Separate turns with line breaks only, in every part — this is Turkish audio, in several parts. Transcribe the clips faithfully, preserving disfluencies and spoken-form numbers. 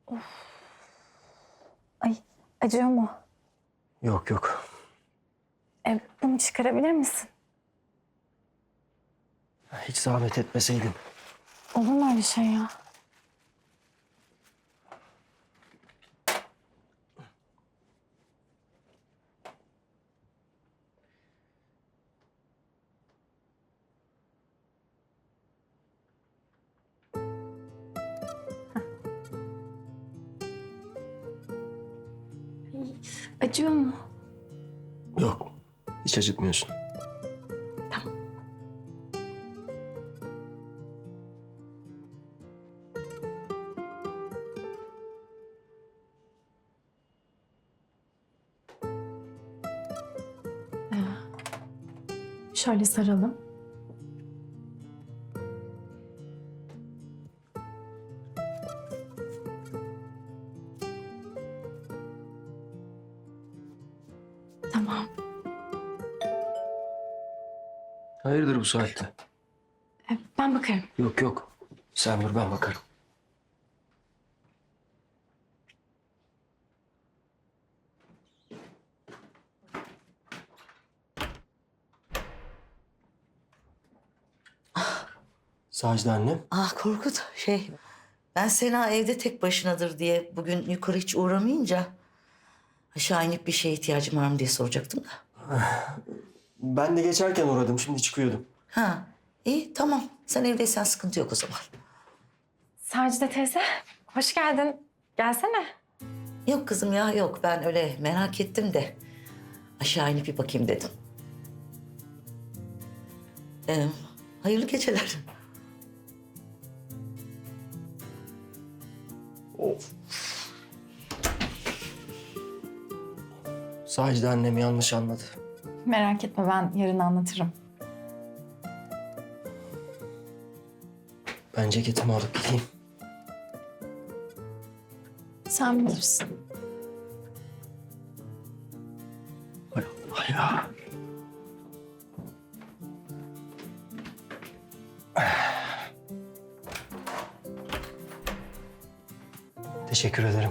Ay, acıyor mu?
Yok yok.
E, bunu çıkarabilir misin?
Hiç zahmet etmeseydin.
Olur mu öyle şey ya? Ay, acıyor mu?
Yok. Hiç acıtmıyorsun.
Tamam. Ee, şöyle saralım. Tamam.
Hayırdır bu saatte?
E, ben bakarım.
Yok yok. Sen dur, ben bakarım. Sacide annem.
Ah Korkut, şey... Ben Sena evde tek başınadır diye bugün yukarı hiç uğramayınca... aşağı inip bir şeye ihtiyacım var mı diye soracaktım da.
Ben de geçerken uğradım. Şimdi çıkıyordum.
Ha, iyi tamam. Sen evdeysen sıkıntı yok o zaman.
Sacide teyze, hoş geldin. Gelsene.
Yok kızım ya yok. Ben öyle merak ettim de... aşağı inip bir bakayım dedim. Ee, hayırlı geceler.
Of. Sacide annem yanlış anladı.
Merak etme, ben yarın anlatırım.
Ben ceketimi alıp gideyim.
Sen bilirsin.
Hay Allah ya. Teşekkür ederim.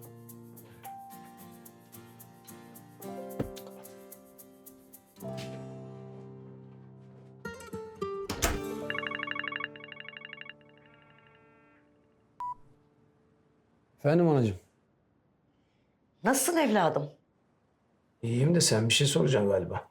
Efendim anacığım.
Nasılsın evladım?
İyiyim de sen bir şey soracaksın galiba.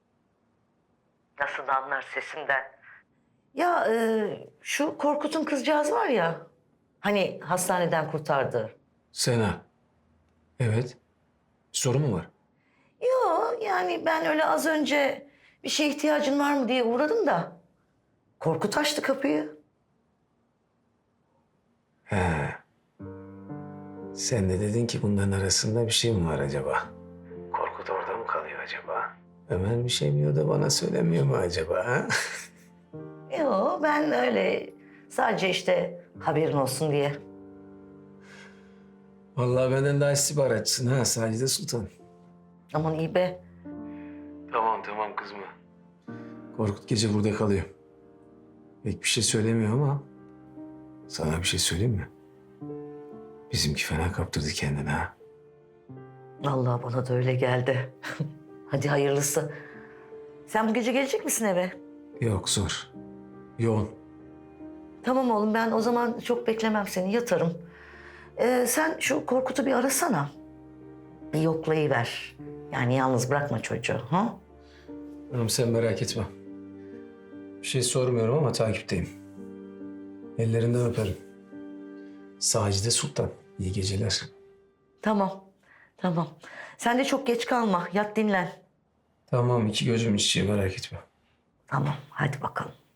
Nasıl anlar sesimden? Ya e, şu Korkut'un kızcağız var ya... hani hastaneden kurtardı.
Sena. Evet. Bir soru mu var?
Yok yani ben öyle az önce bir şeye ihtiyacın var mı diye uğradım da... Korkut açtı kapıyı.
He. Sen de dedin ki bunların arasında bir şey mi var acaba? Korkut orada mı kalıyor acaba? Ömer bir şey mi da bana söylemiyor mu acaba? Ha?
Yok ben öyle sadece işte haberin olsun diye.
Vallahi benden daha istihbaratçısın ha Sacide Sultan.
Aman iyi be.
Tamam tamam kızma. Korkut gece burada kalıyor. Pek bir şey söylemiyor ama sana bir şey söyleyeyim mi? Bizimki fena kaptırdı kendini ha.
Vallahi bana da öyle geldi. Hadi hayırlısı. Sen bu gece gelecek misin eve?
Yok zor. Yoğun.
Tamam oğlum ben o zaman çok beklemem seni yatarım. Ee, sen şu Korkut'u bir arasana. Bir yoklayıver. Yani yalnız bırakma çocuğu. Ha?
Hanım sen merak etme. Bir şey sormuyorum ama takipteyim. Ellerinden öperim. Sacide Sultan. İyi geceler.
Tamam. Tamam. Sen de çok geç kalma. Yat dinlen.
Tamam iki gözüm içi merak etme.
Tamam hadi bakalım.